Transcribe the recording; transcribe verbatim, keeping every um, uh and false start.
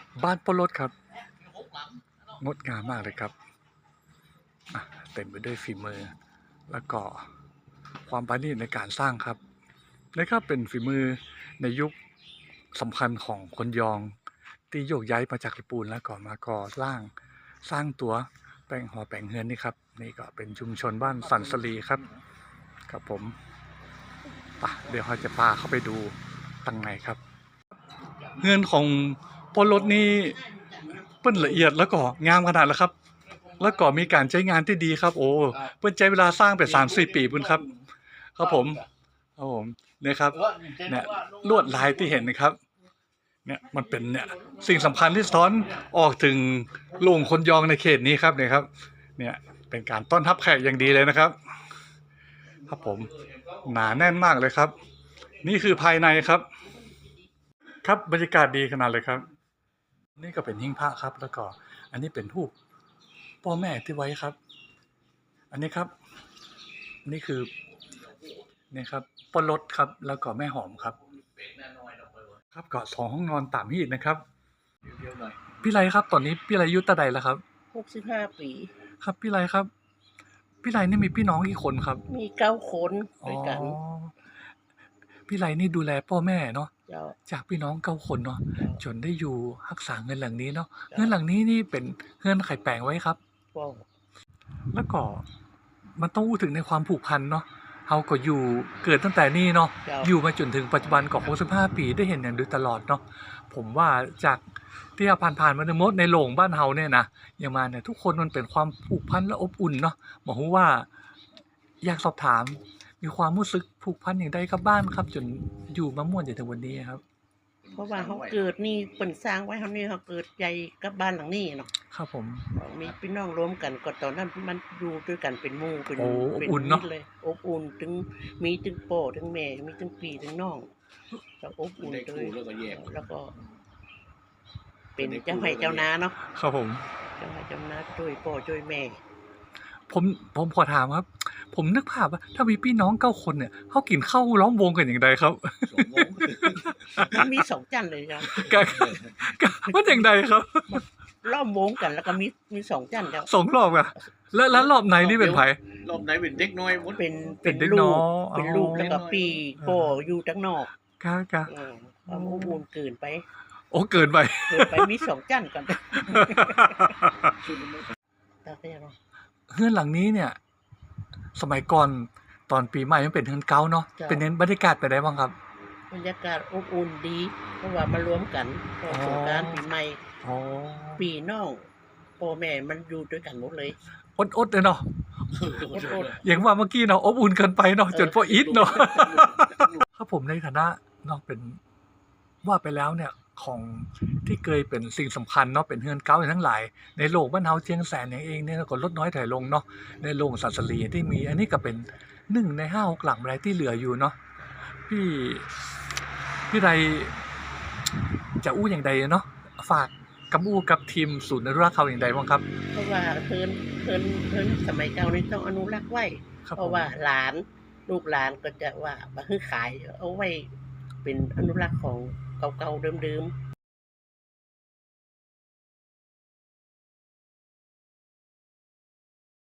บ้านปลดครับงดงามมากเลยครับเต็มไปด้วยฝีมือแล้วก็ความประณีตในการสร้างครับนะครับเป็นฝีมือในยุคสำคัญของคนยองที่โยกย้ายมาจากญี่ปุ่นแล้วก็มาก่อสร้างสร้างตัวแปลงหอแปลงเฮือนนี่ครับนี่ก็เป็นชุมชนบ้านสันสลีครับครับผมปะเดี๋ยวเราจะพาเข้าไปดูตั้งในครับเฮือนของปลดนี่เปิ้นละเอียดแล้วก็งามขนาดแล้วครับแล้วก็มีการใช้งานที่ดีครับโอ้เปิ้นใช้เวลาสร้างไป สามสี่ ปีพุ่นครับครับผมครับผมเนี่ยครับเนี่ยลวดลายที่เห็นนะครับเนี่ยมันเป็นเนี่ยสิ่งสำคัญที่สะท้อนออกถึงโรงคนยองในเขตนี้ครับเนี่ยครับเนี่ยเป็นการต้อนรับแขกอย่างดีเลยนะครับครับผมหนาแน่นมากเลยครับนี่คือภายในครับครับบรรยากาศดีขนาดเลยครับนี่ก็เป็นหิ้งพระครับแล้วก็อันนี้เป็นรูปพ่อแม่ที่ไว้ครับอันนี้ครับนี่คือนี่ครับปลดครับแล้วก็แม่หอมครับครับก็สองห้องนอนตามฮีทนะครับพี่ไรครับตอนนี้พี่ไรอายุตาใดแล้วครับหกสิบห้าปีครับพี่ไรครับพี่ไรนี่มีพี่น้องกี่คนครับมีเก้าคนด้วยกันพี่ไรนี่ดูแลพ่อแม่เนาะจากพี่น้องเก้าคนเนาะจนได้อยู่รักษาเงินหลังนี้เนาะเงินหลังนี้นี่เป็นเงินไข่แปลงไว้ครับแล้วก็มันต้องพูดถึงในความผูกพันเนาะเฮาก็อยู่เกิดตั้งแต่นี่เนาะอยู่มาจนถึงปัจจุบันก็หกสิบห้าปีได้เห็นอย่างโดยตลอดเนาะผมว่าจากที่ผ่านๆมาในมดในโรงบ้านเฮาเนี่ยนะอย่างมาเนี่ยทุกคนมันเป็นความผูกพันและอบอุ่นเนาะบอกว่าอยากสอบถามมีความรู้สึกผูกพันอย่างใดกับบ้านครับจนอยู่มาม่วนจนถึงวันนี้ครับเพราะว่าเขาเกิดนี่เปิ่นสร้างไว้เขานี่เขาเกิดใหญ่กับบ้านหลังนี้เนาะครับผมมีพี่น้องรวมกันก็ตอนนั้นมันอยู่ด้วยกันเป็นหมู่เป็นเป็นอุ่นเนาะเลยอบอุ่นถึงมีถึงพ่อถึงแม่มีถึงพี่ถึงน้องแล้วอบอุ่นเลยแล้วก็เป็นเจ้าให้เจ้านาเนาะครับผมเจ้าให้เจ้านาช่วยพ่อช่วยแม่ผมผมขอถามครับผมนึกภาพว่าถ้ามีพี่น้องเก้าคนเนี่ยเขากินข้าวล้อมวงกันอย่างไรครับมันมีสองจันเลยครับว่าอย่างไรครับล้อมวงกันแล้วก็มีมีสองจันครับสองรอบอะแล้วแล้วรอบไหนนี่เป็นไผรอบไหนเป็นเด็กน้อยเป็นเป็นลูกเป็นลูกแล้วก็ปีโปอยู่ทั้งนอกครับครับความอบอุ่นเกินไปโอ้เกินไปเกินไปมีสองจันกันตาเต้เนาะเฮือนหลังนี้เนี่ยสมัยก่อนตอนปีใหม่มันเป็นเฮือนเก่าเนาะเป็นเน้นบรรยากาศไปได้บ้างครับบรรยากาศอบอุ่นดีเพราะว่ามารวมกันสงกรานต์ปีใหม่ปีน้องพ่อแม่มันอยู่ด้วยกันหมดเลยอดๆเลยเนาะอย่างว่าเมื่อกี้เนาะอบอุ่นเกินไปเนาะจนพออิดเนาะครับผมในฐานะเนาะเป็นว่าไปแล้วเนี่ยของที่เคยเป็นสิ่งสำคัญเนาะเป็นเฮือนเก่าทั้งหลายในโลกบ้านเฮาเชียงแสนเองเนี่ยก็ลดน้อยถอยลงเนาะในโรงสันสลีที่มีอันนี้ก็เป็นหนึ่งในห้าหกหลังอะไรที่เหลืออยู่เนาะพี่พี่ใดจะอู้อย่างใดเนาะฝากกับอู้กับทีมศูนย์อนุรักษ์เขาอย่างใดบ้างครับเพราะว่าเพิ่นเพิ่นเพิ่นสมัยเก่านี่ต้องอนุรักษ์ไว้เพราะว่าหลานลูกหลานก็จะว่าบ่ฮื้อขายเอาไว้เป็นอนุรักษ์ของเก่าๆเดิมๆ